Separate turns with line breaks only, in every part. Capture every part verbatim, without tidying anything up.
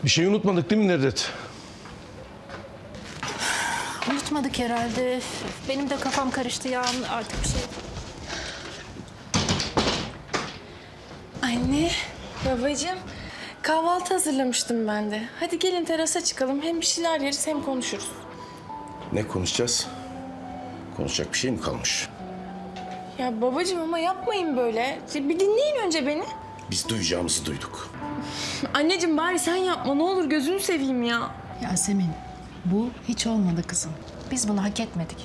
Bir şey unutmadık değil mi Nedret?
Unutmadık herhalde. Benim de kafam karıştı ya artık bir şey.
Anne, babacığım. Kahvaltı hazırlamıştım ben de. Hadi gelin terasa çıkalım. Hem bir şeyler yeriz hem konuşuruz.
Ne konuşacağız? Konuşacak bir şey mi kalmış?
Ya babacığım ama yapmayın böyle. Bir dinleyin önce beni.
Biz duyacağımızı duyduk.
Anneciğim bari sen yapma ne olur gözünü seveyim ya.
Yasemin, bu hiç olmadı kızım. Biz bunu hak etmedik.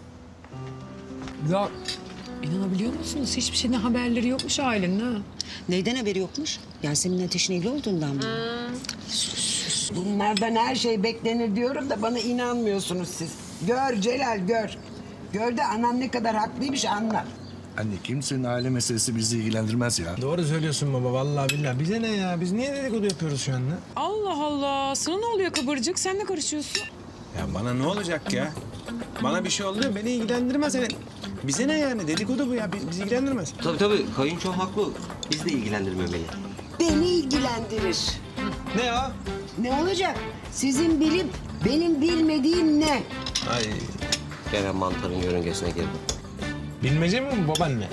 Ya inanabiliyor musunuz? Hiçbir şeyden haberleri yokmuş ailenin ha.
Neyden haberi yokmuş? Yasemin Ateş'in evli olduğundan mı?
Bunlardan her şey beklenir diyorum da bana inanmıyorsunuz siz. Gör Celal gör. Gör de anan ne kadar haklıymış anla.
Anne kimsenin aile meselesi bizi ilgilendirmez ya.
Doğru söylüyorsun baba vallahi billahi. Bize ne ya? Biz niye dedikodu yapıyoruz şu anda?
Allah Allah. Sana ne oluyor kıvırcık? Sen ne karışıyorsun?
Ya bana ne olacak ya? Bana bir şey oldu beni ilgilendirmez. Yani bize ne yani? Dedikodu bu ya. Biz, bizi ilgilendirmez.
Tabii tabii kayınço haklı. Biz de ilgilendirmemeli.
Beni ilgilendirir.
Ne ya?
Ne olacak? Sizin bilip benim bilmediğim ne?
Ay.
Gelen mantarın yörüngesine girdim.
Bilmece mi bu babaanne?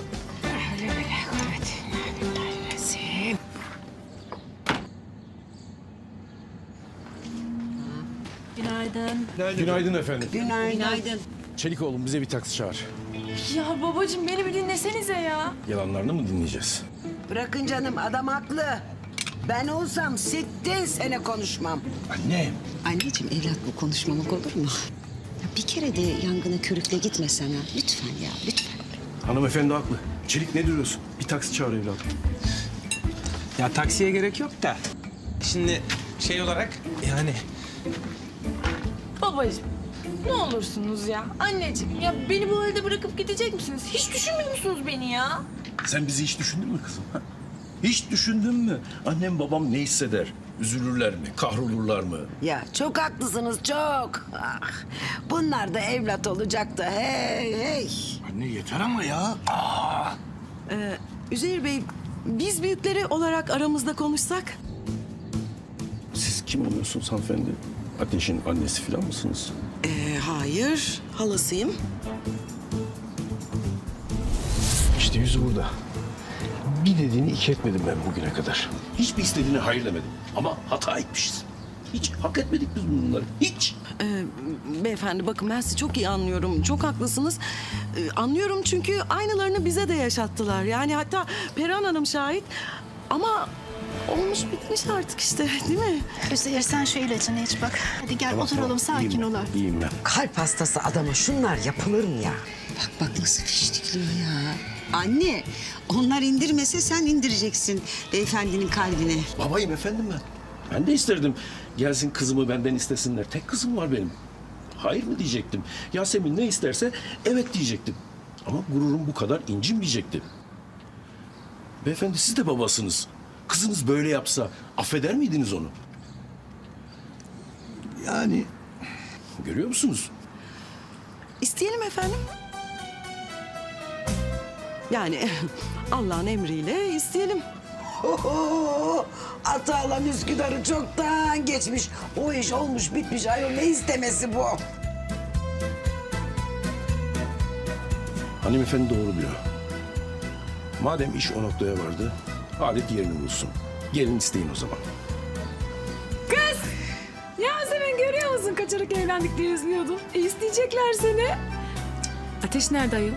Günaydın.
Günaydın efendim.
Günaydın.
Günaydın.
Çelik oğlum bize bir taksi çağır.
Ya babacığım beni bir dinlesenize ya.
Yalanlarını mı dinleyeceğiz?
Bırakın canım adam haklı. Ben olsam sittin sene konuşmam.
Anne.
Anneciğim evlat bu konuşmamak olur mu? Ya bir kere de yangına körükle gitmesene. Lütfen ya lütfen.
Hanımefendi haklı. Çelik ne duruyorsun? Bir taksi çağır evladım.
Ya taksiye gerek yok da. Şimdi şey olarak yani
Babacığım ne olursunuz ya. Anneciğim ya beni bu halde bırakıp gidecek misiniz? Hiç düşünmüyor musunuz beni ya?
Sen bizi hiç düşündün mü kızım? Ha? Hiç düşündün mü? Annem babam ne hisseder? Üzülürler mi? Kahrolurlar mı?
Ya çok haklısınız çok. Ah, bunlar da evlat olacak da hey hey.
Anne yeter ama ya.
Üzeyir Bey, biz büyükleri olarak aramızda konuşsak?
Siz kim oluyorsunuz hanımefendi? Ateş'in annesi falan mısınız?
Ee, hayır, halasıyım.
İşte yüzü burada. Bir dediğini iki etmedim ben bugüne kadar. Hiçbir istediğine hayır demedim. Ama hata etmişiz. Hiç hak etmedik biz bunları. Hiç.
Ee, beyefendi bakın ben sizi çok iyi anlıyorum. Çok haklısınız. Ee, anlıyorum çünkü aynılarını bize de yaşattılar. Yani hatta Perihan Hanım şahit. Ama olmuş bitmiş artık işte değil mi?
Üzeyir sen şu ilacını iç bak. Hadi gel oturalım sakin
İyiyim
ol.
ben, İyiyim ben.
Kalp hastası adama şunlar yapılır mı ya?
Bak bak nasıl fiştikliyor ya. Anne onlar indirmese sen indireceksin beyefendinin kalbine.
Babayım efendim ben. Ben de isterdim. Gelsin kızımı benden istesinler. Tek kızım var benim. Hayır mı diyecektim. Yasemin ne isterse evet diyecektim. Ama gururum bu kadar incinmeyecekti. Beyefendi siz de babasınız. Kızınız böyle yapsa affeder miydiniz onu? Yani görüyor musunuz?
İsteyelim efendim. Yani Allah'ın emriyle isteyelim.
Oho, Atalan Üsküdar'ı çoktan geçmiş. O iş olmuş bitmiş ayol ne istemesi bu?
Hanımefendi doğru diyor. Madem iş o noktaya vardı, adet yerini bulsun. Gelin isteyin o zaman.
Yasemin görüyor musun? Kaçarak evlendik diye üzülüyordun. E, isteyecekler seni. Cık, Ateş nerede ayol?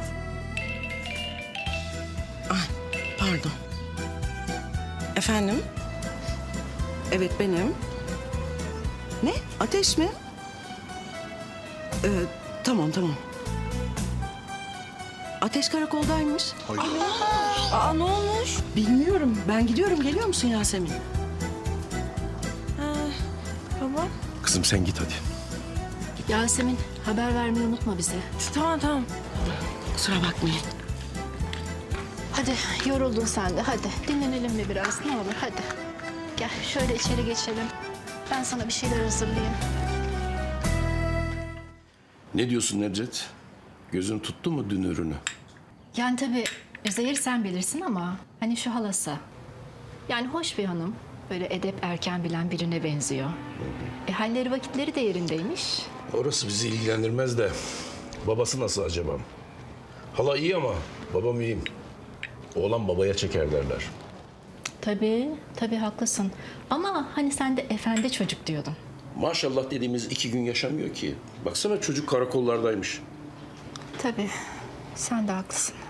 Pardon. Efendim? Evet benim. Ne? Ateş mi? Ee, tamam tamam. Ateş karakoldaymış. Aa, aa ne olmuş? Bilmiyorum. Ben gidiyorum. Geliyor musun Yasemin? Ha, baba.
Kızım sen git hadi.
Yasemin haber vermeyi unutma bize.
Tamam tamam.
Kusura bakmayın.
Hadi yoruldun sen de hadi. Dinlenelim mi biraz ne olur hadi. Gel şöyle içeri geçelim. Ben sana bir şeyler hazırlayayım.
Ne diyorsun Nedret? Gözün tuttu mu dün ürünü?
Yani tabii Üzeyir sen bilirsin ama hani şu halası. Yani hoş bir hanım. Böyle edep erken bilen birine benziyor. E, halleri vakitleri de yerindeymiş.
Orası bizi ilgilendirmez de babası nasıl acaba? Hala iyi ama babam iyi. Oğlan babaya çeker derler.
Tabii, tabii haklısın. Ama hani sen de efendi çocuk diyordun.
Maşallah dediğimiz iki gün yaşamıyor ki. Baksana çocuk karakollardaymış.
Tabii, sen de haklısın.